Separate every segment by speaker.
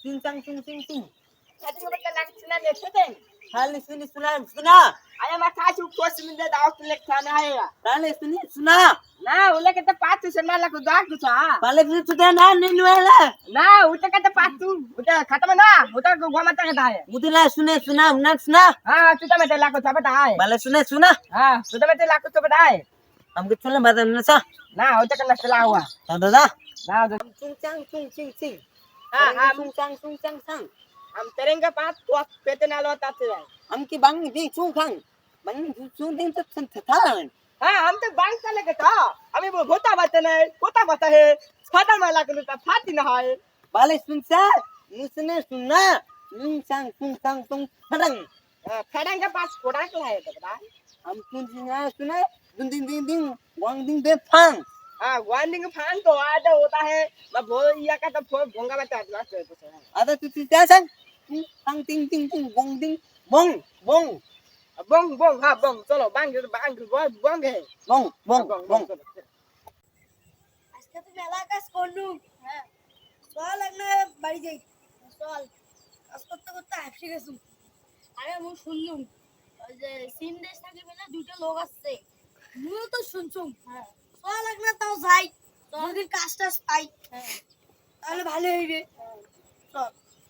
Speaker 1: Sing sang sing sing sing.
Speaker 2: Tadi mereka langsung aja setting.
Speaker 1: Hal sini suna.
Speaker 2: Ayah masa asyik kos minta dah aku lek sana ayah.
Speaker 1: Hal sini suna.
Speaker 2: Nah, ulah kita patu sana lah kuda aku sah.
Speaker 1: Pale sudah na ninuela.
Speaker 2: Nah, udah kita patu, udah kata mana? Udah gua mata kata ayah.
Speaker 1: Udila suna suna.
Speaker 2: Ah, sudah mata laku siapa dah?
Speaker 1: Pale suna.
Speaker 2: Ah, sudah mata laku siapa dah?
Speaker 1: Amke chula badan nasa.
Speaker 2: Nah, udah kena selawa.
Speaker 1: Tada.
Speaker 2: Nah, udah.
Speaker 1: Sing sang sing.
Speaker 2: Ah,
Speaker 1: sing sang.
Speaker 2: हम तेरेंगे पास तो पेटे नालो ताते हैं
Speaker 1: Amki bang di chung ding tat thalan.
Speaker 2: हाँ हम तो bank चले गए था हमें वो होता बता है फाटा माला के तो फाटी ना है
Speaker 1: Pale sunsa. Musne suna. Sing sang padang.
Speaker 2: फेडेंगे पास कोड़ा के है तो बता
Speaker 1: Am suna. Ding. Wang ding be phang.
Speaker 2: हाँ वार्निंग फैन तो आधा होता है मैं वो या का तो फोन भोंगा बता दो
Speaker 1: Ada tu sang. Sang ting bong ding. Bong.
Speaker 2: बोंग हाँ बोंग चलो बैंक बोंग है
Speaker 1: Bong.
Speaker 3: আজকে তো মেলা কাজ করলুম হ্যাঁ চল একটা বাড়ি যাই চল কাজ করতে হাঁপসে গেছুম আরে আমি শুনলুম ওই যে চীন দেশ থেকে বেলা দুইটা লোক আসছে আমিও তো শুনছুম হ্যাঁ চল একটা তাও যাই যদি কাজ টাজ পাই হ্যাঁ তাহলে ভালো হইবে চল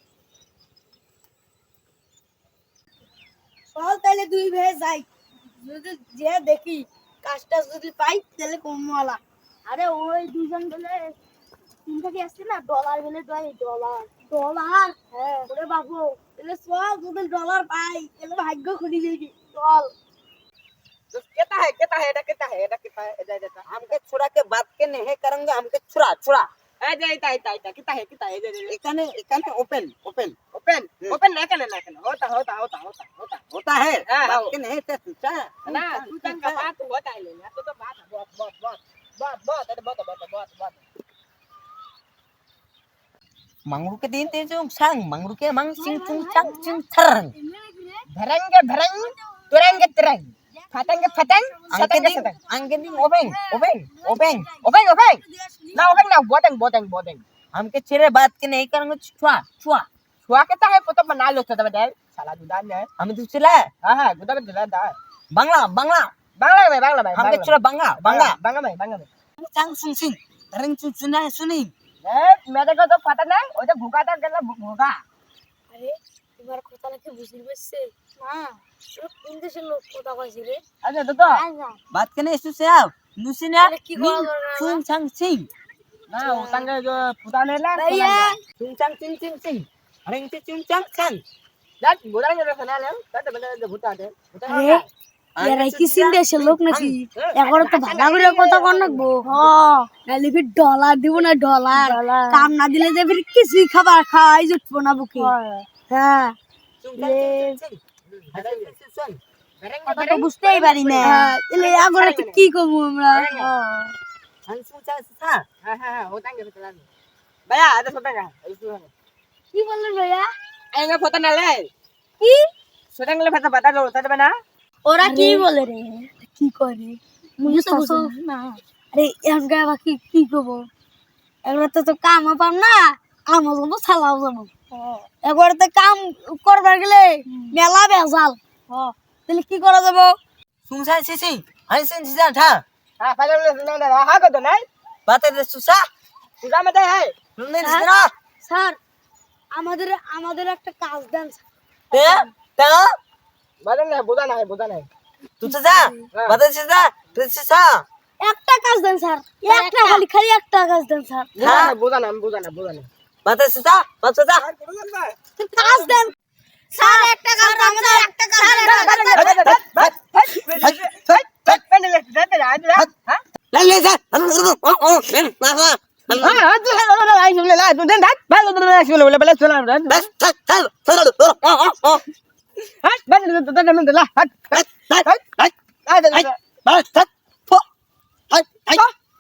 Speaker 3: চল তাহলে দুই ভাই যাই যদি যে দেখি কাজটা যদি পাই তাহলে কমওয়ালা আরে ওই দুজন বলে তিন থেকে আসছে না ডলার বলে ডলার হ্যাঁ ওরে বাবু তাহলে চল যদি ডলার পাই তাহলে ভাগ্য খুলি যাবি চল
Speaker 2: कितना है इधर
Speaker 1: हमके छुड़ा के बात के नहीं करेंगे हमके छुड़ा
Speaker 2: कितना है
Speaker 1: एकाने ओपन
Speaker 2: ओपन ना करना होता
Speaker 1: होता है
Speaker 2: हाँ,
Speaker 1: बात के नहीं से सोचा
Speaker 2: ना तू तन का बात होता है लेना तो बात बहुत
Speaker 1: मंगरू के दिन ते जो sang मंगरू के mang sing chung thang
Speaker 2: भरंग तुरंग फतेंगे सतेंगे
Speaker 1: angin obeng
Speaker 2: ना बोतेंग
Speaker 1: हमके छेरे बात के नहीं करेंगे छुआ
Speaker 2: छुआ कितना है तो बना लो तो बदल साला दुदान है
Speaker 1: हम दूसरा
Speaker 2: हां गुदा बदल दा
Speaker 1: बांग्ला
Speaker 2: में
Speaker 1: हमके छुड़ा बांग्ला
Speaker 2: में
Speaker 1: sang sing tereng सुनी
Speaker 2: मेरे को तो पता नहीं वो तो भूखा था कहला भूखा
Speaker 3: আরে তোমার কথা নাকি বুঝির পারছে না ও কোন দেশের লোক কথা কইছে রে
Speaker 2: अच्छा तो
Speaker 1: बात के नहीं सुसे आओ नुसिना
Speaker 3: अरे की बोल रहा है?
Speaker 1: chung sing
Speaker 2: ना उतंग जो पुताने ला
Speaker 3: भैया
Speaker 1: chung sing tereng chung
Speaker 2: that बुदान जो सुना ले तो बदल भूता दे
Speaker 3: আরে এরা কি চীন দেশের লোক নাকি এখন তো ভাগা করে কথা কর নাকবো হ্যাঁ নালে ফির ডলার দিব না ডলার কাম না দিলে যে ফির কিছুই খাবার খাই জুটবো না বুকে হ্যাঁ কথা তো বুঝতেই পারি না তাহলে আগরে তো কি করবো আমরা
Speaker 2: हां उतंग जो चला भैया आधा सोटेगा
Speaker 3: কি বললেন ভাইয়া
Speaker 2: आएंगे पुताने ले
Speaker 3: কি
Speaker 2: सोटेंगे ले पता लो तो बना
Speaker 3: ওরা কি বলে রে কি করে মুই তো বুঝি না আরে এখন গায় বাকি কি করব একবার তো কাম পাম না কাম যাবো ছালাও যাবো একবার তো কাম করবার গেলে মেলা বেজাল তাহলে কি করা যাবো
Speaker 1: sungsai sing hansin sisa tha
Speaker 2: हां पहले ले हां को तो नहीं
Speaker 1: बात है सुसा
Speaker 2: पूरा में है
Speaker 1: तुमने सुना
Speaker 3: স্যার আমাদের একটা কাজ দেন
Speaker 1: ते ता
Speaker 2: बुदाना है
Speaker 1: तू जा बात है सुसा
Speaker 3: একটা কাজ দেন স্যার একটা খালি একটা কাজ দেন স্যার
Speaker 2: हां बुदाना
Speaker 1: बात है सुसा
Speaker 3: কাজ দেন স্যার একটা কাজ আমাদের একটা কাজ
Speaker 1: ले जा
Speaker 2: बस